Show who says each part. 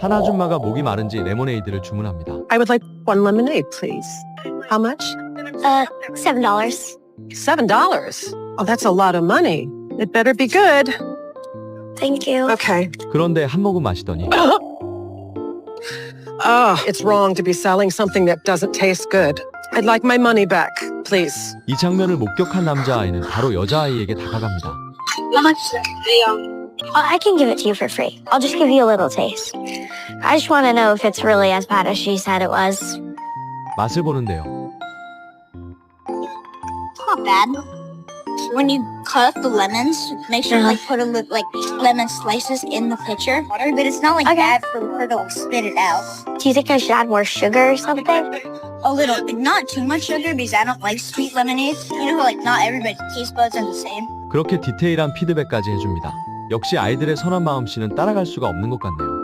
Speaker 1: 한 아줌마가 목이 마른지 레모네이드를 주문합니다.
Speaker 2: I would like one lemonade, please. How much?
Speaker 3: $7.
Speaker 2: $7. Oh, that's a lot of money. It better be good.
Speaker 3: Thank you.
Speaker 2: Okay.
Speaker 1: 그런데 한 모금 마시더니
Speaker 2: Oh, it's wrong to be selling something that doesn't taste good. I'd like my money back, please.
Speaker 1: 이 장면을 목격한 남자아이는 바로 여자아이에게 다가갑니다.
Speaker 3: How much? I can give it to you for free. I'll just give you a little taste. I just want to know if it's really as bad as she said it was.
Speaker 1: 맛을 보는데요.
Speaker 4: Not bad. When you cut up the lemons, make sure to put lemon slices in the pitcher. But it's not like bad for her to spit it out.
Speaker 3: Do you think I should add more sugar or something?
Speaker 4: A little, not too much sugar because I don't like sweet lemonade. You know, not everybody's taste buds are the same.
Speaker 1: 그렇게 디테일한 피드백까지 해줍니다. 역시 아이들의 선한 마음씨는 따라갈 수가 없는 것 같네요.